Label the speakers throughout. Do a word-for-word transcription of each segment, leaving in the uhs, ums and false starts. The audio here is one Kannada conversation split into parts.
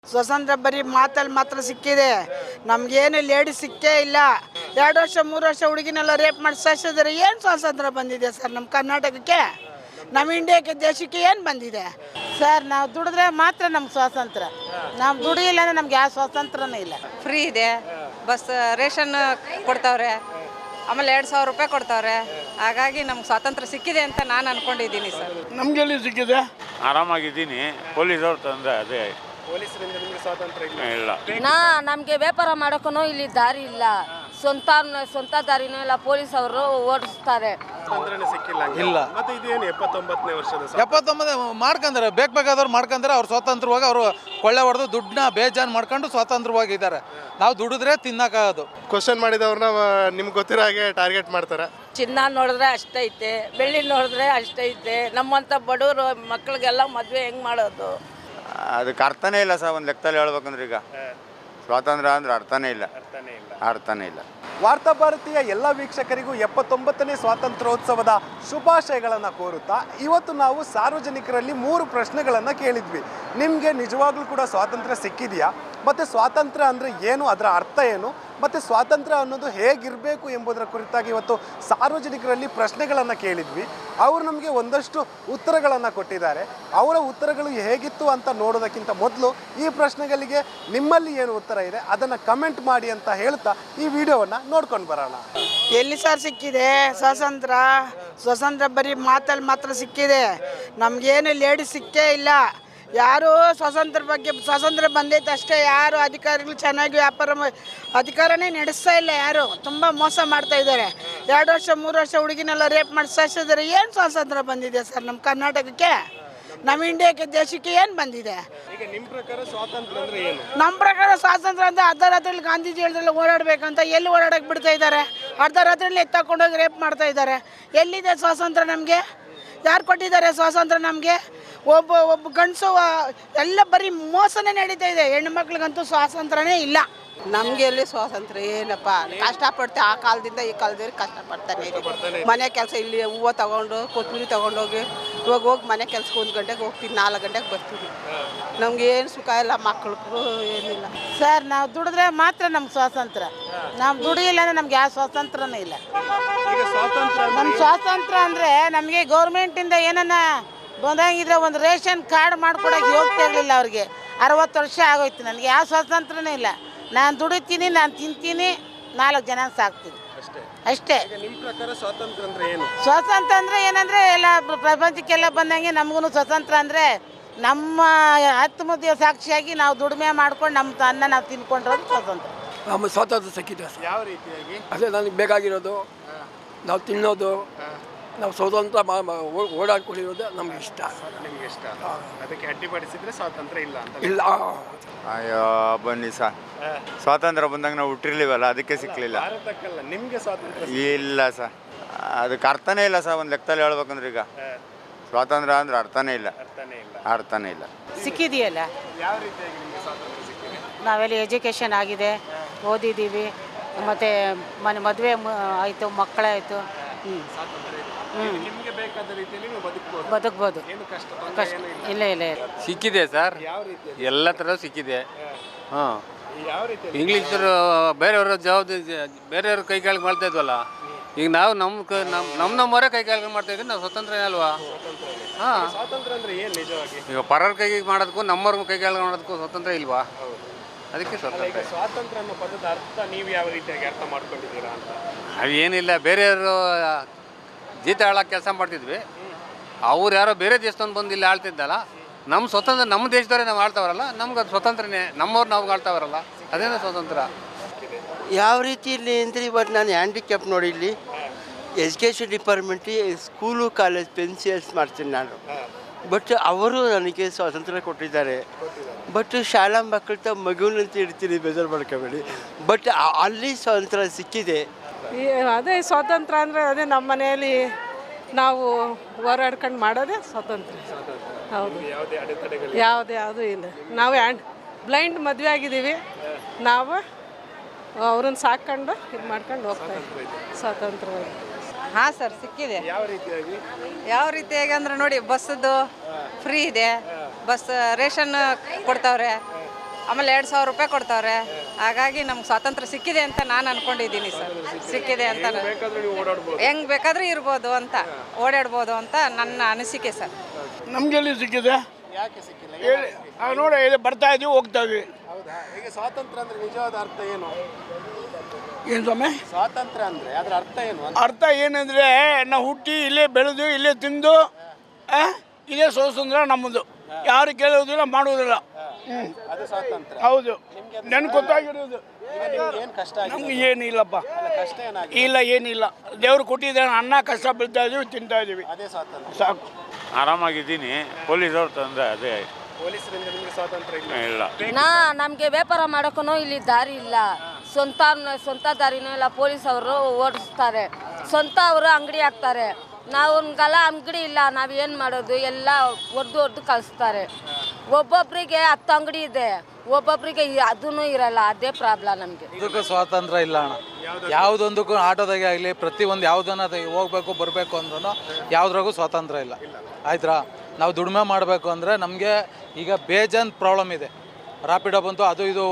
Speaker 1: ಸ್ವತಂತ್ರ ಬರೀ ಮಾತಲ್ಲಿ ಮಾತ್ರ ಸಿಕ್ಕಿದೆ, ನಮಗೇನು ಲೇಡಿ ಸಿಕ್ಕೇ ಇಲ್ಲ. ಎರಡು ವರ್ಷ ಮೂರು ವರ್ಷ ಹುಡುಗಿನೆಲ್ಲ ರೇಪ್ ಮಾಡಿ ಸಾಯಿಸಿದ್ರೆ ಏನು ಸ್ವಾತಂತ್ರ್ಯ ಬಂದಿದೆ ಸರ್ ನಮ್ಮ ಕರ್ನಾಟಕಕ್ಕೆ, ನಮ್ಮ ಇಂಡಿಯಾಕ್ಕೆ ದೇಶಕ್ಕೆ ಏನು ಬಂದಿದೆ
Speaker 2: ಸರ್? ನಾವು ದುಡಿದ್ರೆ ಮಾತ್ರ ನಮ್ಗೆ ಸ್ವಾತಂತ್ರ್ಯ, ನಾವು ದುಡಿಯಿಲ್ಲ ಅಂದರೆ ನಮ್ಗೆ ಯಾವ ಸ್ವಾತಂತ್ರ್ಯನೂ ಇಲ್ಲ.
Speaker 3: ಫ್ರೀ ಇದೆ, ಬಸ್ ರೇಷನ್ ಕೊಡ್ತಾವ್ರೆ, ಆಮೇಲೆ ಎರಡು ಸಾವಿರ ರೂಪಾಯಿ ಕೊಡ್ತಾವ್ರೆ. ಹಾಗಾಗಿ ನಮ್ಗೆ ಸ್ವಾತಂತ್ರ್ಯ ಸಿಕ್ಕಿದೆ ಅಂತ ನಾನು ಅನ್ಕೊಂಡಿದ್ದೀನಿ ಸರ್.
Speaker 4: ನಮಗೆಲ್ಲಿ ಸಿಕ್ಕಿದೆ?
Speaker 5: ಆರಾಮಾಗಿದ್ದೀನಿ. ಪೊಲೀಸವ್ರು ತಂದರೆ ಅದೇ
Speaker 4: ಪೊಲೀಸರಿಂದ ನಿಮಗೆ ಸ್ವಾತಂತ್ರ್ಯ ಇಲ್ಲ?
Speaker 5: ಇಲ್ಲ.
Speaker 6: ನಾ ನಮಗೆ ವ್ಯಾಪಾರ ಮಾಡೋಕ್ಕೂ ಇಲ್ಲಿ ದಾರಿ ಇಲ್ಲ, ಸ್ವಂತ ಸ್ವಂತ ದಾರಿನೂ ಇಲ್ಲ, ಪೊಲೀಸ್ ಅವರು ಓಡಿಸ್ತಾರೆ.
Speaker 4: ಸ್ವಾತಂತ್ರ್ಯನೇ ಸಿಕ್ಕಿಲ್ಲ
Speaker 7: ಇಲ್ಲ.
Speaker 4: ಮತ್ತೆ ಇದೇನು ಎಪ್ಪತ್ತೊಂಬತ್ತನೇ ವರ್ಷದ
Speaker 7: ಎಪ್ಪತ್ತೊಂಬತ್ತು ಮಾಡ್ಕೊಂತಾರೆ, ಬೇಕು ಬೇಕಾದವ್ರು ಮಾಡ್ಕೊಂತಾರೆ. ಅವ್ರು ಸ್ವತಂತ್ರವಾಗಿ ಅವರು ಕೊಳ್ಳೆ ಹೊಡೆದು ದುಡ್ಡನ್ನ ಬೇಜಾನ್ ಮಾಡ್ಕೊಂಡು ಸ್ವತಂತ್ರವಾಗಿದ್ದಾರೆ. ನಾವು ದುಡಿದ್ರೆ ತಿನ್ನಕ್ಕಾಗೋದು.
Speaker 4: ಕ್ವಶನ್ ಮಾಡಿದವ್ರನ್ನ ನಿಮ್ಗೆ ಗೊತ್ತಿರೋ ಹಾಗೆ ಟಾರ್ಗೆಟ್ ಮಾಡ್ತಾರೆ.
Speaker 2: ಚಿನ್ನ ನೋಡಿದ್ರೆ ಅಷ್ಟೈತೆ, ಬೆಳ್ಳಿ ನೋಡಿದ್ರೆ ಅಷ್ಟೈತೆ, ನಮ್ಮಂಥ ಬಡವರು ಮಕ್ಕಳಿಗೆಲ್ಲ ಮದುವೆ ಹೆಂಗೆ ಮಾಡೋದು?
Speaker 5: ಅದಕ್ಕೆ ಅರ್ಥನೇ ಇಲ್ಲ ಸರ್. ಒಂದು ಲೆಕ್ಕದಲ್ಲಿ ಹೇಳ್ಬೇಕಂದ್ರೆ ಈಗ ಸ್ವಾತಂತ್ರ್ಯ ಅಂದ್ರೆ ಅರ್ಥನೇ ಇಲ್ಲ, ಅರ್ಥನೇ ಇಲ್ಲ.
Speaker 4: ವಾರ್ತಾ ಭಾರತೀಯ ಎಲ್ಲ ವೀಕ್ಷಕರಿಗೂ ಎಪ್ಪತ್ತೊಂಬತ್ತನೇ ಸ್ವಾತಂತ್ರ್ಯೋತ್ಸವದ ಶುಭಾಶಯಗಳನ್ನು ಕೋರುತ್ತಾ ಇವತ್ತು ನಾವು ಸಾರ್ವಜನಿಕರಲ್ಲಿ ಮೂರು ಪ್ರಶ್ನೆಗಳನ್ನು ಕೇಳಿದ್ವಿ. ನಿಮಗೆ ನಿಜವಾಗ್ಲೂ ಕೂಡ ಸ್ವಾತಂತ್ರ್ಯ ಸಿಕ್ಕಿದೆಯಾ? ಮತ್ತು ಸ್ವಾತಂತ್ರ್ಯ ಅಂದರೆ ಏನು, ಅದರ ಅರ್ಥ ಏನು, ಮತ್ತು ಸ್ವಾತಂತ್ರ್ಯ ಅನ್ನೋದು ಹೇಗಿರಬೇಕು ಎಂಬುದರ ಕುರಿತಾಗಿ ಇವತ್ತು ಸಾರ್ವಜನಿಕರಲ್ಲಿ ಪ್ರಶ್ನೆಗಳನ್ನು ಕೇಳಿದ್ವಿ. ಅವರು ನಮಗೆ ಒಂದಷ್ಟು ಉತ್ತರಗಳನ್ನು ಕೊಟ್ಟಿದ್ದಾರೆ. ಅವರ ಉತ್ತರಗಳು ಹೇಗಿತ್ತು ಅಂತ ನೋಡೋದಕ್ಕಿಂತ ಮೊದಲು ಈ ಪ್ರಶ್ನೆಗಳಿಗೆ ನಿಮ್ಮಲ್ಲಿ ಏನು ಉತ್ತರ ಇದೆ ಅದನ್ನು ಕಮೆಂಟ್ ಮಾಡಿ ಅಂತ ಹೇಳ್ತಾ ಈ ವಿಡಿಯೋವನ್ನು ನೋಡ್ಕೊಂಡು ಬರೋಣ.
Speaker 1: ಎಲ್ಲಿ ಸರ್ ಸಿಕ್ಕಿದೆ ಸ್ವಾತಂತ್ರ್ಯ? ಸ್ವಾತಂತ್ರ್ಯ ಬರೀ ಮಾತಲ್ಲಿ ಮಾತ್ರ ಸಿಕ್ಕಿದೆ, ನಮಗೇನು ಲೇಡಿ ಸಿಕ್ಕೇ ಇಲ್ಲ. ಯಾರು ಸ್ವಾತಂತ್ರ್ಯ ಬಗ್ಗೆ ಸ್ವಾತಂತ್ರ್ಯ ಬಂದೈತೆ ಅಷ್ಟೇ, ಯಾರು ಅಧಿಕಾರಿಗಳು ಚೆನ್ನಾಗಿ ವ್ಯಾಪಾರ ಅಧಿಕಾರನೇ ನಡೆಸ್ತಾ ಇಲ್ಲ. ಯಾರು ತುಂಬ ಮೋಸ ಮಾಡ್ತಾ ಇದ್ದಾರೆ. ಎರಡು ವರ್ಷ ಮೂರು ವರ್ಷ ಹುಡುಗಿನೆಲ್ಲ ರೇಪ್ ಮಾಡಿ ಸಾಯಿಸಿದ್ರೆ ಏನು ಸ್ವಾತಂತ್ರ್ಯ ಬಂದಿದೆ ಸರ್ ನಮ್ಮ ಕರ್ನಾಟಕಕ್ಕೆ, ನಮ್ಮ ಇಂಡಿಯಾಕ್ಕೆ ದೇಶಕ್ಕೆ ಏನು ಬಂದಿದೆ?
Speaker 4: ಈಗ ನಿಮ್ಮ ಪ್ರಕಾರ ಸ್ವಾತಂತ್ರ್ಯ ಅಂದರೆ ಏನು?
Speaker 1: ನಮ್ಮ ಪ್ರಕಾರ ಸ್ವಾತಂತ್ರ್ಯ ಅಂತ ಅರ್ಧ ರಾತ್ರಿಯಲ್ಲಿ ಗಾಂಧೀಜಿ ಹೇಳಿದ್ರಲ್ಲಿ ಓಡಾಡಬೇಕಂತ ಎಲ್ಲಿ ಓಡಾಡಕ್ಕೆ ಬಿಡ್ತಾ ಇದ್ದಾರೆ? ಅರ್ಧ ರಾತ್ರಿಯಲ್ಲಿ ಎತ್ತಾಕೊಂಡೋಗಿ ರೇಪ್ ಮಾಡ್ತಾ ಇದ್ದಾರೆ. ಎಲ್ಲಿದೆ ಸ್ವಾತಂತ್ರ್ಯ? ನಮಗೆ ಯಾರು ಕೊಟ್ಟಿದ್ದಾರೆ ಸ್ವಾತಂತ್ರ್ಯ? ನಮಗೆ ಒಬ್ಬ ಒಬ್ಬ ಗಂಡಸು ಎಲ್ಲ ಬರೀ ಮೋಸನೇ ನಡೀತಾ ಇದೆ. ಹೆಣ್ಣು ಮಕ್ಳಿಗಂತೂ ಸ್ವಾತಂತ್ರ್ಯನೇ ಇಲ್ಲ.
Speaker 2: ನಮಗೆ ಎಲ್ಲಿ ಸ್ವಾತಂತ್ರ್ಯ ಏನಪ್ಪ? ಕಷ್ಟಪಡ್ತೆ ಆ ಕಾಲದಿಂದ ಈ ಕಾಲದವ್ರಿಗೆ ಕಷ್ಟಪಡ್ತಾನೆ ಇದ್ದೀವಿ. ಮನೆ ಕೆಲಸ ಇಲ್ಲಿ ಹೂವು ತಗೊಂಡು ಕೊತ್ತಂಬರಿ ತೊಗೊಂಡೋಗಿ ಇವಾಗ ಹೋಗಿ ಮನೆ ಕೆಲಸಕ್ಕೆ ಒಂದು ಗಂಟೆಗೆ ಹೋಗ್ತೀನಿ, ನಾಲ್ಕು ಗಂಟೆಗೆ ಬರ್ತೀವಿ. ನಮ್ಗೆ ಏನು ಸುಖ ಇಲ್ಲ, ಮಕ್ಕಳಿಗೂ ಏನಿಲ್ಲ ಸರ್. ನಾವು ದುಡಿದ್ರೆ ಮಾತ್ರ ನಮ್ಗೆ ಸ್ವಾತಂತ್ರ್ಯ, ನಾವು ದುಡಿಯಿಲ್ಲ ಅಂದರೆ ನಮ್ಗೆ ಯಾವ ಸ್ವಾತಂತ್ರ್ಯನೂ ಇಲ್ಲ.
Speaker 4: ಈಗ ಸ್ವಾತಂತ್ರ್ಯ
Speaker 2: ನಮ್ಮ ಸ್ವಾತಂತ್ರ್ಯ ಅಂದರೆ ನಮಗೆ ಗೌರ್ಮೆಂಟಿಂದ ಏನನ್ನ ಬಂದಾಗಿದ್ರೆ ಒಂದು ರೇಷನ್ ಕಾರ್ಡ್ ಮಾಡ್ಕೊಡೋಕೆ ಹೋಗ್ತಾ ಇರಲಿಲ್ಲ ಅವ್ರಿಗೆ. ಅರವತ್ತು ವರ್ಷ ಆಗೋಯ್ತು, ನನಗೆ ಯಾವ ಸ್ವಾತಂತ್ರ್ಯನೂ ಇಲ್ಲ. ನಾನು ದುಡಿತೀನಿ, ನಾನು ತಿಂತೀನಿ, ನಾಲ್ಕು ಜನ ಸಾಕ್ತೀನಿ ಅಷ್ಟೇ.
Speaker 4: ನಿಮ್ಮ ಪ್ರಕಾರ ಸ್ವಾತಂತ್ರ್ಯ ಅಂದರೆ ಏನು?
Speaker 2: ಸ್ವಾತಂತ್ರ್ಯ ಅಂದರೆ ಏನಂದರೆ ಎಲ್ಲ ಪ್ರಪಂಚಕ್ಕೆಲ್ಲ ಬಂದಂಗೆ ನಮಗೂ ಸ್ವಾತಂತ್ರ್ಯ ಅಂದರೆ ನಮ್ಮ ಹತ್ತು ಮುದ್ದೆ ಸಾಕ್ಷಿಯಾಗಿ ನಾವು ದುಡಿಮೆ ಮಾಡ್ಕೊಂಡು ನಮ್ಮ ಅನ್ನ ನಾವು ತಿನ್ಕೊಂಡಿರೋದು ಸ್ವಾತಂತ್ರ್ಯ.
Speaker 8: ನಮ್ಮ ಸ್ವಾತಂತ್ರ್ಯ ಸಿಕ್ಕಿದೆ ಸರ್.
Speaker 4: ಯಾವ ರೀತಿಯಾಗಿ?
Speaker 8: ಅದೇ ನನಗೆ ಬೇಕಾಗಿರೋದು, ನಾವು ತಿನ್ನೋದು, ನಾವು ಸ್ವತಂತ್ರ ಓಡಾಡ್ಕೊಂಡಿರೋದು ನಮ್ಗೆ ಇಷ್ಟ.
Speaker 4: ನಿಮ್ಗೆ ಇಷ್ಟ? ಅದಕ್ಕೆ ಅಡ್ಡಿಪಡಿಸಿದ್ರೆ ಸ್ವಾತಂತ್ರ್ಯ ಇಲ್ಲ ಅಂತ
Speaker 8: ಇಲ್ಲ.
Speaker 5: ಅಯ್ಯೋ ಬನ್ನಿ ಸರ್, ಸ್ವಾತಂತ್ರ್ಯ ಬಂದಾಗ ನಾವು ಹುಟ್ಟಿರ್ಲಿವಲ್ಲ, ಅದಕ್ಕೆ ಸಿಕ್ಕಲಿಲ್ಲ.
Speaker 4: ಭಾರತಕ್ಕಲ್ಲ, ನಿಮಗೆ ಸ್ವಾತಂತ್ರ್ಯ
Speaker 5: ಇಲ್ಲ ಸರ್, ಅದಕ್ಕೆ ಅರ್ಥನೇ ಇಲ್ಲ ಸರ್. ಒಂದು ಲೆಕ್ಕದಲ್ಲಿ ಹೇಳ್ಬೇಕಂದ್ರೆ ಈಗ ಸ್ವಾತಂತ್ರ್ಯ ಅಂದ್ರೆ ಅರ್ಥನೇ ಇಲ್ಲ,
Speaker 4: ಅರ್ಥನೇ ಇಲ್ಲ.
Speaker 5: ಅರ್ಥನೇ ಇಲ್ಲ.
Speaker 2: ಸಿಕ್ಕಿದೆಯಲ್ಲ,
Speaker 4: ಯಾವ ರೀತಿಯಾಗಿ ನಿಮಗೆ ಸ್ವಾತಂತ್ರ್ಯ ಸಿಕ್ಕಿದೆ?
Speaker 2: ನಾವೆಲ್ಲ ಎಜುಕೇಷನ್ ಆಗಿದೆ, ಓದಿದ್ದೀವಿ, ಮತ್ತು ಮನೆ ಮದುವೆ ಆಯಿತು, ಮಕ್ಕಳಾಯಿತು. ಹ್ಞೂ
Speaker 4: ನಿಮಗೆ ಬೇಕಾದ ರೀತಿಯಲ್ಲಿ ನೀವು ಬದುಕಬಹುದು,
Speaker 2: ಬದುಕ್ಬೋದು.
Speaker 4: ಏನು ಕಷ್ಟ
Speaker 2: ಕಷ್ಟ ಇಲ್ಲ ಇಲ್ಲ ಇಲ್ಲ
Speaker 9: ಸಿಕ್ಕಿದೆ ಸರ್,
Speaker 4: ಯಾವ ರೀತಿ?
Speaker 9: ಎಲ್ಲ ಥರ ಸಿಕ್ಕಿದೆ. ಹಾಂ,
Speaker 4: ಯಾವ ರೀತಿ?
Speaker 9: ಇಂಗ್ಲೀಷರು ಬೇರೆಯವ್ರ ಜವಾಬ್ದಾರಿ ಬೇರೆಯವ್ರ ಕೈ ಕೆಳಗೆ ಮಾಡ್ತಾ ಇದ್ವಲ್ಲ, ಈಗ ನಾವು ನಮ್ಮ ಕ ನಮ್ಮ ನಮ್ಮ ನಮ್ಮವರೇ ಕೈ ಕೆಳಗೆ ಮಾಡ್ತಾ ಇದ್ದೀವಿ. ನಾವು ಸ್ವತಂತ್ರ ಅಲ್ವಾ? ಹಾಂ,
Speaker 4: ಸ್ವಾತಂತ್ರ್ಯ ಅಂದ್ರೆ ಏನು ನಿಜವಾಗಿ?
Speaker 9: ಈಗ ಪರರ ಕೈಗೆ ಮಾಡೋದಕ್ಕೂ ನಮ್ಮವ್ರ ಕೈ ಕೆಳಗೆ ಮಾಡೋದಕ್ಕೂ ಸ್ವತಂತ್ರ ಇಲ್ವಾ? ಅದಕ್ಕೆ
Speaker 4: ಈಗ
Speaker 9: ಸ್ವತಂತ್ರ.
Speaker 4: ಸ್ವಾತಂತ್ರ್ಯ ಅನ್ನೋ ಪದದ ಅರ್ಥ ನೀವು ಯಾವ ರೀತಿಯಾಗಿ ಅರ್ಥ ಮಾಡ್ಕೊಂಡಿದ್ದೀರಾ ಅಂತ?
Speaker 9: ಅವೇನಿಲ್ಲ, ಬೇರೆಯವರು ಜೀತ ಹೇಳೋಕೆ ಕೆಲಸ ಮಾಡ್ತಿದ್ವಿ, ಅವ್ರು ಯಾರೋ ಬೇರೆ ದೇಶದವ್ನು ಬಂದು ಇಲ್ಲಿ ಆಳ್ತಿದ್ದಲ್ಲ. ನಮ್ಮ ಸ್ವತಂತ್ರ ನಮ್ಮ ದೇಶದವರೇ ನಾವು ಆಳ್ತಾವ್ರಲ್ಲ, ನಮ್ಗೆ ಅದು ಸ್ವತಂತ್ರನೇ. ನಮ್ಮವ್ರು ನಾವು ಆಳ್ತಾವ್ರಲ್ಲ, ಅದೇನೋ ಸ್ವತಂತ್ರ.
Speaker 10: ಯಾವ ರೀತಿಯಲ್ಲಿ ಅಂದರೆ ಇವತ್ತು ನಾನು ಹ್ಯಾಂಡಿಕ್ಯಾಪ್ ನೋಡಿ, ಇಲ್ಲಿ ಎಜುಕೇಷನ್ ಡಿಪಾರ್ಟ್ಮೆಂಟಿಗೆ ಸ್ಕೂಲು ಕಾಲೇಜ್ ಪೆನ್ಸಿಲ್ಸ್ ಮಾಡ್ತೀನಿ ನಾನು. ಬಟ್ ಅವರು ನನಗೆ ಸ್ವಾತಂತ್ರ್ಯ ಕೊಟ್ಟಿದ್ದಾರೆ. ಬಟ್ ಶಾಲಾ ಮಕ್ಕಳ ತ ಮಗುವಿನಂತ ಇಡ್ತೀನಿ, ಬೇಜಾರು ಮಾಡ್ಕೋಬೇಡಿ. ಬಟ್ ಅಲ್ಲಿ ಸ್ವಾತಂತ್ರ್ಯ ಸಿಕ್ಕಿದೆ.
Speaker 11: ಅದೇ ಸ್ವಾತಂತ್ರ್ಯ ಅಂದರೆ ಅದೇ ನಮ್ಮ ಮನೆಯಲ್ಲಿ ನಾವು ಹೋರಾಡ್ಕೊಂಡು ಮಾಡೋದೇ ಸ್ವಾತಂತ್ರ್ಯ. ಹೌದು, ಯಾವುದೇ ಯಾವುದೂ ಇಲ್ಲ. ನಾವು ಹ್ಯಾಂಡ್ ಬ್ಲೈಂಡ್ ಮದುವೆ ಆಗಿದ್ದೀವಿ, ನಾವು ಅವ್ರನ್ನ ಸಾಕೊಂಡು ಇದು ಮಾಡ್ಕೊಂಡು ಹೋಗ್ತಾ ಇದ್ದೀವಿ ಸ್ವಾತಂತ್ರ್ಯವಾಗಿ.
Speaker 3: ಹಾಂ ಸರ್, ಸಿಕ್ಕಿದೆ.
Speaker 4: ಯಾವ ರೀತಿಯಾಗಿ?
Speaker 3: ಯಾವ ರೀತಿಯಾಗಿ ಅಂದ್ರೆ ನೋಡಿ, ಬಸ್ಸದ್ದು ಫ್ರೀ ಇದೆ, ಬಸ್ ರೇಷನ್ ಕೊಡ್ತಾವ್ರೆ, ಆಮೇಲೆ ಎರಡು ಸಾವಿರ ರೂಪಾಯಿ ಕೊಡ್ತಾವ್ರೆ. ಹಾಗಾಗಿ ನಮ್ಗೆ ಸ್ವಾತಂತ್ರ್ಯ ಸಿಕ್ಕಿದೆ ಅಂತ ನಾನು ಅನ್ಕೊಂಡಿದ್ದೀನಿ ಸರ್. ಸಿಕ್ಕಿದೆ ಅಂತ ಹೆಂಗ್ ಬೇಕಾದ್ರೂ ಇರ್ಬೋದು ಅಂತ, ಓಡಾಡ್ಬೋದು ಅಂತ ನನ್ನ ಅನಿಸಿಕೆ ಸರ್.
Speaker 12: ನಮಗೆಲ್ಲಿ ಸಿಕ್ಕಿದೆ?
Speaker 4: ಯಾಕೆ ಸಿಕ್ಕಿಲ್ಲ?
Speaker 12: ಹೇಳಿ ನೋಡಿ, ಇಲ್ಲಿ ಬರ್ತಾ ಇದೀವಿ, ಹೋಗ್ತಾ ಇದ್ವಿ.
Speaker 4: ಹೌದಾ? ಈಗ ಸ್ವಾತಂತ್ರ್ಯ ಅಂದ್ರೆ ನಿಜವಾದ ಅರ್ಥ ಏನು?
Speaker 12: ಏನು ಸ್ವಾಮಿ?
Speaker 4: ಸ್ವಾತಂತ್ರ್ಯ ಅಂದ್ರೆ ಅದರ ಅರ್ಥ ಏನು?
Speaker 12: ಅರ್ಥ ಏನಂದ್ರೆ ನಾವು ಹುಟ್ಟಿ ಇಲ್ಲೇ ಬೆಳೆದು ಇಲ್ಲೇ ತಿಂದು ಆ, ಇದೇ ಸ್ವಾತಂತ್ರ್ಯ ನಮ್ಮದು. ಯಾರು ಕೇಳೋದಿಲ್ಲ, ಮಾಡುವುದಿಲ್ಲ.
Speaker 4: ಅದು ಸ್ವಾತಂತ್ರ್ಯ.
Speaker 12: ಹೌದು, ನನ್ಗೆ ಗೊತ್ತಾಗಿರೋದು.
Speaker 4: ಏನು ಕಷ್ಟ ಆಗಿದೆ?
Speaker 12: ನಮ್ಗೆ ಏನಿಲ್ಲಪ್ಪ,
Speaker 4: ಕಷ್ಟ ಏನಾಗಿದೆ?
Speaker 12: ಇಲ್ಲ ಏನಿಲ್ಲ. ದೇವ್ರು ಕೊಟ್ಟಿದ್ದಾನೆ, ಅನ್ನ ಕಷ್ಟ ಬೀಳ್ತಾ ಇದೀವಿ, ತಿಂತಾ ಇದೀವಿ,
Speaker 4: ಅದೇ ಸ್ವಾತಂತ್ರ್ಯ.
Speaker 12: ಸಾಕು.
Speaker 5: ಆರಾಮಾಗಿದ್ದೀನಿ. ಪೊಲೀಸವ್ರು ತಂದ್ರೆ ಅದೇ
Speaker 4: ಪೊಲೀಸರಿಂದ ನಿಮಗೆ ಸ್ವಾತಂತ್ರ್ಯ ಇಲ್ಲ?
Speaker 5: ಇಲ್ಲ.
Speaker 6: ನಾ ನಮಗೆ ವ್ಯಾಪಾರ ಮಾಡೋಕ್ಕೂ ಇಲ್ಲಿ ದಾರಿ ಇಲ್ಲ. ಸ್ವಂತ ಸ್ವಂತ ದಾರಿನೂ ಇಲ್ಲ. ಪೊಲೀಸ್ ಅವರು ಓಡಿಸ್ತಾರೆ, ಸ್ವಂತ ಅವರು ಅಂಗಡಿ ಹಾಕ್ತಾರೆ. ನಾವೊಂದ್ಗೆಲ್ಲ ಅಂಗಡಿ ಇಲ್ಲ, ನಾವು ಏನು ಮಾಡೋದು? ಎಲ್ಲ ಒಡ್ದು ಒಡ್ದು ಕಳಿಸ್ತಾರೆ. ಒಬ್ಬೊಬ್ಬರಿಗೆ ಹತ್ತು ಅಂಗಡಿ ಇದೆ, ಒಬ್ಬೊಬ್ಬರಿಗೆ ಅದೂ ಇರಲ್ಲ. ಅದೇ ಪ್ರಾಬ್ಲಮ್ ನಮಗೆ.
Speaker 7: ಇದಕ್ಕೂ ಸ್ವಾತಂತ್ರ್ಯ ಇಲ್ಲ ಅಣ್ಣ. ಯಾವುದೊಂದಕ್ಕೂ ಆಟೋದಾಗೆ ಆಗಲಿ, ಪ್ರತಿಯೊಂದು ಯಾವುದನ್ನ ಹೋಗ್ಬೇಕು ಬರಬೇಕು ಅಂದ್ರೂ ಯಾವುದ್ರಾಗೂ ಸ್ವಾತಂತ್ರ್ಯ ಇಲ್ಲ. ಆಯ್ತಾ? ನಾವು ದುಡಿಮೆ ಮಾಡಬೇಕು ಅಂದರೆ ನಮಗೆ ಈಗ ಬೇಜಾನ್ ಪ್ರಾಬ್ಲಮ್ ಇದೆ. ರಾಪಿಡೋ ಬಂತು, ಅದು ಇದು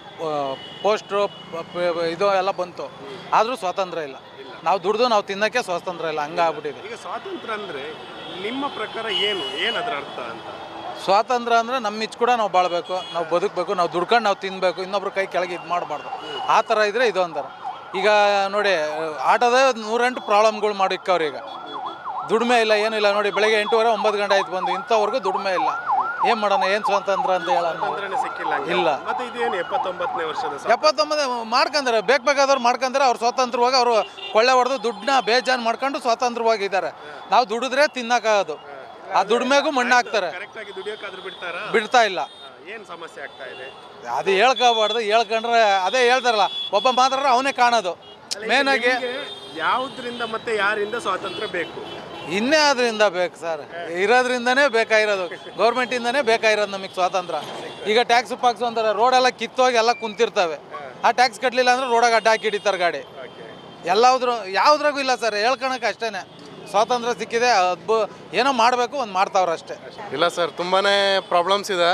Speaker 7: ಪೋಸ್ಟ್ರು ಇದು ಎಲ್ಲ ಬಂತು, ಆದರೂ ಸ್ವಾತಂತ್ರ್ಯ ಇಲ್ಲ. ನಾವು ದುಡ್ದು ನಾವು ತಿನ್ನೋಕ್ಕೆ ಸ್ವಾತಂತ್ರ್ಯ ಇಲ್ಲ, ಹಂಗಾಗ್ಬಿಟ್ಟಿದೆ.
Speaker 4: ಈಗ ಸ್ವಾತಂತ್ರ್ಯ ಅಂದ್ರೆ ನಿಮ್ಮ ಪ್ರಕಾರ ಏನು ಏನು ಅದರ ಅರ್ಥ ಅಂತ?
Speaker 7: ಸ್ವಾತಂತ್ರ್ಯ ಅಂದರೆ ನಮ್ಮ ಇಚ್ಚ ಕೂಡ ನಾವು ಬಾಳಬೇಕು, ನಾವು ಬದುಕಬೇಕು, ನಾವು ದುಡ್ಕೊಂಡು ನಾವು ತಿನ್ನಬೇಕು, ಇನ್ನೊಬ್ರ ಕೈ ಕೆಳಗೆ ಇದು ಮಾಡಬಾರ್ದು. ಆ ಥರ ಇದ್ದರೆ ಇದು ಅಂತಾರೆ. ಈಗ ನೋಡಿ, ಆಟೋದ ನೂರೆಂಟು ಪ್ರಾಬ್ಲಮ್ಗಳು ಮಾಡಿಕ್ಕವ್ರು. ಈಗ ದುಡಿಮೆ ಇಲ್ಲ, ಏನಿಲ್ಲ. ನೋಡಿ, ಬೆಳಗ್ಗೆ ಎಂಟೂವರೆ ಒಂಬತ್ತು ಗಂಟೆ ಆಯ್ತು ಬಂದು, ಇಂಥವ್ರಿಗೂ ದುಡಿಮೆ ಇಲ್ಲ. ಏನು ಮಾಡೋಣ? ಏನು ಸ್ವಾತಂತ್ರ್ಯ ಅಂತ ಹೇಳ
Speaker 4: ಸಿಕ್ಕಿಲ್ಲ
Speaker 7: ಇಲ್ಲ.
Speaker 4: ಮತ್ತೆ ಇದೇನು ಎಪ್ಪತ್ತೊಂಬತ್ತನೇ ವರ್ಷದ
Speaker 7: ಎಪ್ಪತ್ತೊಂಬತ್ತು ಮಾಡ್ಕೊಂತಾರೆ, ಬೇಕು ಬೇಕಾದವ್ರು ಮಾಡ್ಕೊಂತಾರೆ. ಅವ್ರು ಸ್ವತಂತ್ರವಾಗಿ ಅವರು ಕೊಳ್ಳೆ ಹೊಡೆದು ದುಡ್ಡನ್ನ ಬೇಜಾನ್ ಮಾಡ್ಕೊಂಡು ಸ್ವತಂತ್ರವಾಗಿದ್ದಾರೆ. ನಾವು ದುಡಿದ್ರೆ ತಿನ್ನಕ್ಕಾಗೋದು, ಆ ದುಡಿಮೆಗೂ ಮಣ್ಣು ಹಾಕ್ತಾರೆ.
Speaker 4: ಕರೆಕ್ಟಾಗಿ ದುಡಿಯೋಕ್ಕಾದ್ರೂ ಬಿಡ್ತಾರಾ?
Speaker 7: ಬಿಡ್ತಾ ಇಲ್ಲ.
Speaker 4: ಏನು ಸಮಸ್ಯೆ ಆಗ್ತಾ ಇದೆ?
Speaker 7: ಅದು ಹೇಳ್ಕೋಬಾರ್ದು. ಹೇಳ್ಕೊಂಡ್ರೆ ಅದೇ ಹೇಳ್ತಾರಲ್ಲ, ಒಬ್ಬ ಮಾತ್ರ ಅವನೇ ಕಾಣೋದು. ಮೇನ್ ಆಗಿ
Speaker 4: ಯಾವುದರಿಂದ ಮತ್ತೆ ಯಾರಿಂದ ಸ್ವಾತಂತ್ರ್ಯ ಬೇಕು?
Speaker 7: ಇನ್ನೇ ಅದರಿಂದ ಬೇಕು ಸರ್, ಇರೋದ್ರಿಂದನೇ ಬೇಕಾಗಿರೋದು, ಗೌರ್ಮೆಂಟಿಂದನೇ ಬೇಕಾಗಿರೋದು ನಮಗೆ ಸ್ವಾತಂತ್ರ್ಯ. ಈಗ ಟ್ಯಾಕ್ಸ್ ಪಾಕ್ಸು ಅಂತಾರೆ, ರೋಡೆಲ್ಲ ಕಿತ್ತೋಗಿ ಎಲ್ಲ ಕುಂತಿರ್ತವೆ. ಆ ಟ್ಯಾಕ್ಸ್ ಕಟ್ಟಲಿಲ್ಲ ಅಂದ್ರೆ ರೋಡಾಗ ಅಡ್ಡ ಹಾಕಿ ಹಿಡಿತಾರೆ ಗಾಡಿ. ಎಲ್ಲಾದ್ರೂ ಯಾವುದ್ರಾಗೂ ಇಲ್ಲ ಸರ್, ಹೇಳ್ಕೊಳಕ್ಕೆ ಅಷ್ಟೇ. ಸ್ವಾತಂತ್ರ್ಯ ಸಿಕ್ಕಿದೆ, ಅದ್ಭು ಏನೋ ಮಾಡಬೇಕು, ಒಂದು ಮಾಡ್ತಾವ್ರೆ ಅಷ್ಟೇ.
Speaker 13: ಇಲ್ಲ ಸರ್, ತುಂಬಾ ಪ್ರಾಬ್ಲಮ್ಸ್ ಇದೆ.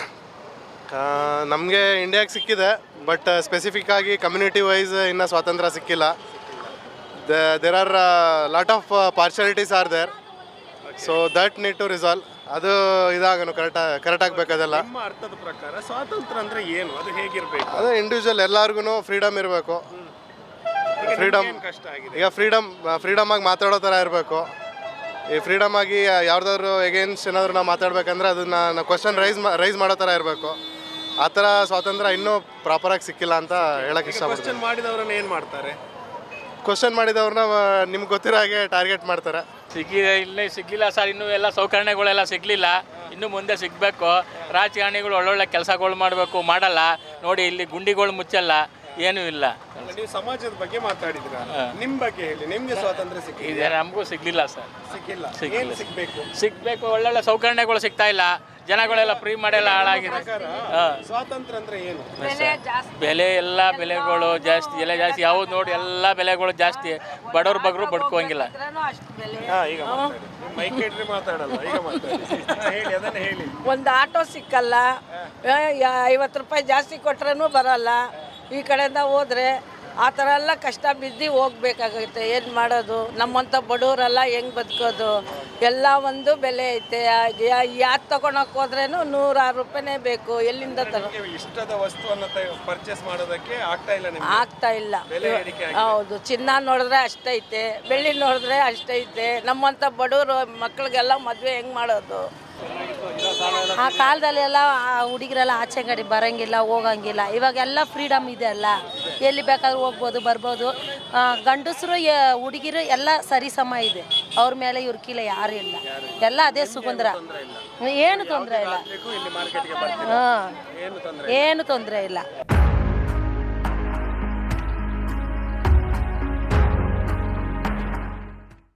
Speaker 13: ನಮಗೆ ಇಂಡಿಯಾಗೆ ಸಿಕ್ಕಿದೆ, ಬಟ್ ಸ್ಪೆಸಿಫಿಕ್ ಆಗಿ ಕಮ್ಯುನಿಟಿ ವೈಸ್ ಇನ್ನೂ ಸ್ವಾತಂತ್ರ್ಯ ಸಿಕ್ಕಿಲ್ಲ. There are lot of partialities are there, so that need to resolve. ಅದು ಇದಾಗನು ಕರೆಕ್ಟ್ ಕರೆಕ್ಟ್ ಆಗಬೇಕದೆಲ್ಲ.
Speaker 4: ನಿಮ್ಮ ಅರ್ಥದ ಪ್ರಕಾರ ಸ್ವಾತಂತ್ರ್ಯ ಅಂದರೆ ಏನು? ಅದು ಹೇಗಿರಬೇಕು?
Speaker 13: ಅದೇ ಇಂಡಿವಿಜುವಲ್ ಎಲ್ಲರಿಗೂ ಫ್ರೀಡಮ್ ಇರಬೇಕು. ಫ್ರೀಡಮ್
Speaker 4: ಕಷ್ಟ ಆಗಿದೆ.
Speaker 13: ಈಗ ಫ್ರೀಡಮ್ ಫ್ರೀಡಮ್ ಆಗಿ ಮಾತಾಡೋ ಥರ ಇರಬೇಕು. ಈ ಫ್ರೀಡಮ್ ಆಗಿ ಯಾವ್ದಾದ್ರು ಎಗೇನ್ಸ್ಟ್ ಏನಾದರೂ ನಾವು ಮಾತಾಡ್ಬೇಕಂದ್ರೆ ಅದನ್ನ ನಾವು ಕ್ವಶನ್ ರೈಸ್ ರೈಸ್ ಮಾಡೋ ಥರ ಇರಬೇಕು. ಆ ಥರ ಸ್ವಾತಂತ್ರ್ಯ ಇನ್ನೂ ಪ್ರಾಪರಾಗಿ ಸಿಕ್ಕಿಲ್ಲ ಅಂತ ಹೇಳಕ್ಕೆ ಇಷ್ಟಪಡ್ತೀನಿ.
Speaker 4: ಕ್ವಶನ್ ಮಾಡಿದವ್ರನ್ನ ಏನು ಮಾಡ್ತಾರೆ?
Speaker 13: ಕ್ವಶನ್ ಮಾಡಿದವ್ರನ್ನ ನಿಮ್ಗೆ ಗೊತ್ತಿರೋ ಹಾಗೆ ಟಾರ್ಗೆಟ್ ಮಾಡ್ತಾರೆ.
Speaker 14: ಸಿಕ್ಕಿದೆ, ಇಲ್ಲೇ ಸಿಗಲಿಲ್ಲ ಸರ್. ಇನ್ನೂ ಎಲ್ಲ ಸೌಕರ್ಯಗಳೆಲ್ಲ ಸಿಗಲಿಲ್ಲ, ಇನ್ನು ಮುಂದೆ ಸಿಗಬೇಕು. ರಾಜಕಾರಣಿಗಳು ಒಳ್ಳೊಳ್ಳೆ ಕೆಲಸಗಳು ಮಾಡಬೇಕು, ಮಾಡಲ್ಲ. ನೋಡಿ, ಇಲ್ಲಿ ಗುಂಡಿಗಳು ಮುಚ್ಚಲ್ಲ, ಏನೂ ಇಲ್ಲ.
Speaker 4: ನೀವು ಸಮಾಜದ ಬಗ್ಗೆ ಮಾತಾಡಿದ್ರ, ನಿಮ್ಮ ಬಗ್ಗೆ ಹೇಳಿ. ನಿಮಗೆ ಸ್ವಾತಂತ್ರ್ಯ ಸಿಕ್ಕಿದೆ?
Speaker 14: ನಮಗೂ ಸಿಗಲಿಲ್ಲ ಸರ್,
Speaker 4: ಸಿಕ್ಕಿಲ್ಲ.
Speaker 14: ಸಿಕ್ಕಿಲ್ಲ.
Speaker 4: ಏನು ಸಿಗಬೇಕು?
Speaker 14: ಸಿಗಬೇಕು, ಒಳ್ಳೊಳ್ಳೆ ಸೌಕರ್ಯಗಳು ಸಿಗ್ತಾ ಇಲ್ಲ. ಜನಗಳೆಲ್ಲ ಫ್ರೀ ಮಾಡೆಲ್ಲ ಹಾಳಾಗಿದೆ.
Speaker 4: ಸ್ವಾತಂತ್ರ್ಯ ಅಂದ್ರೆ ಏನು?
Speaker 14: ಬೆಲೆ ಎಲ್ಲ ಬೆಲೆಗಳು ಜಾಸ್ತಿ, ಎಲ್ಲ ಜಾಸ್ತಿ. ಯಾವ್ದು ನೋಡಿ ಎಲ್ಲ ಬೆಲೆಗಳು ಜಾಸ್ತಿ. ಬಡವ್ರ ಬಗ್ರು ಬಡ್ಕೋಂಗಿಲ್ಲ.
Speaker 4: ಈಗ ಮೈಕ್ ಇಟ್ರಿ ಮಾತಾಡಲ್ಲ, ಈಗ ಮಾತಾಡಿ. ಹೇಳಿ, ಅದನ್ನ ಹೇಳಿ.
Speaker 11: ಒಂದು ಆಟೋ ಸಿಕ್ಕಲ್ಲ, ಐವತ್ತು ರೂಪಾಯಿ ಜಾಸ್ತಿ ಕೊಟ್ರೂ ಬರಲ್ಲ. ಈ ಕಡೆಯಿಂದ ಹೋದರೆ ಆ ಥರ ಎಲ್ಲ ಕಷ್ಟ ಬಿದ್ದು ಹೋಗ್ಬೇಕಾಗುತ್ತೆ. ಏನು ಮಾಡೋದು? ನಮ್ಮಂಥ ಬಡವರೆಲ್ಲ ಹೆಂಗೆ ಬದುಕೋದು? ಎಲ್ಲ ಒಂದು ಬೆಲೆ ಐತೆ. ಯಾರು ತಗೊಳಕ್ಕೆ ಹೋದ್ರೇನು ನೂರಾರು ರೂಪಾಯಿನೇ ಬೇಕು. ಎಲ್ಲಿಂದ ತಗೋ?
Speaker 4: ಇಷ್ಟದ ವಸ್ತುವನ್ನು ಪರ್ಚೇಸ್ ಮಾಡೋದಕ್ಕೆ ಆಗ್ತಾ ಇಲ್ಲ ನಿಮ್ಗೆ?
Speaker 11: ಆಗ್ತಾ ಇಲ್ಲ.
Speaker 4: ಬೆಲೆ ಏರಿಕೆ ಆಗಿದೆ.
Speaker 11: ಹೌದು, ಚಿನ್ನ ನೋಡಿದ್ರೆ ಅಷ್ಟೈತೆ, ಬೆಳ್ಳಿ ನೋಡಿದ್ರೆ ಅಷ್ಟೈತೆ. ನಮ್ಮಂಥ ಬಡವರು ಮಕ್ಳಿಗೆಲ್ಲ ಮದುವೆ ಹೆಂಗೆ ಮಾಡೋದು?
Speaker 15: ಆ ಕಾಲದಲ್ಲೆಲ್ಲ ಹುಡುಗರೆಲ್ಲ ಆಚೆ ಕಡೆ ಬರೋಂಗಿಲ್ಲ, ಹೋಗಂಗಿಲ್ಲ. ಇವಾಗೆಲ್ಲ ಫ್ರೀಡಮ್ ಇದೆ ಅಲ್ಲ, ಎಲ್ಲಿ ಬೇಕಾದ್ರೂ ಹೋಗ್ಬೋದು, ಬರ್ಬೋದು. ಗಂಡಸರು ಹುಡುಗಿರು ಎಲ್ಲ ಸರಿ ಸಮ ಇದೆ. ಅವ್ರ ಮೇಲೆ ಇವ್ರ ಕೀಲ ಯಾರು ಇಲ್ಲ, ಎಲ್ಲ ಅದೇ ಸುಗಂಧ್ರ. ಏನು ತೊಂದರೆ ಇಲ್ಲ, ಹಾಂ, ಏನು ತೊಂದರೆ ಇಲ್ಲ.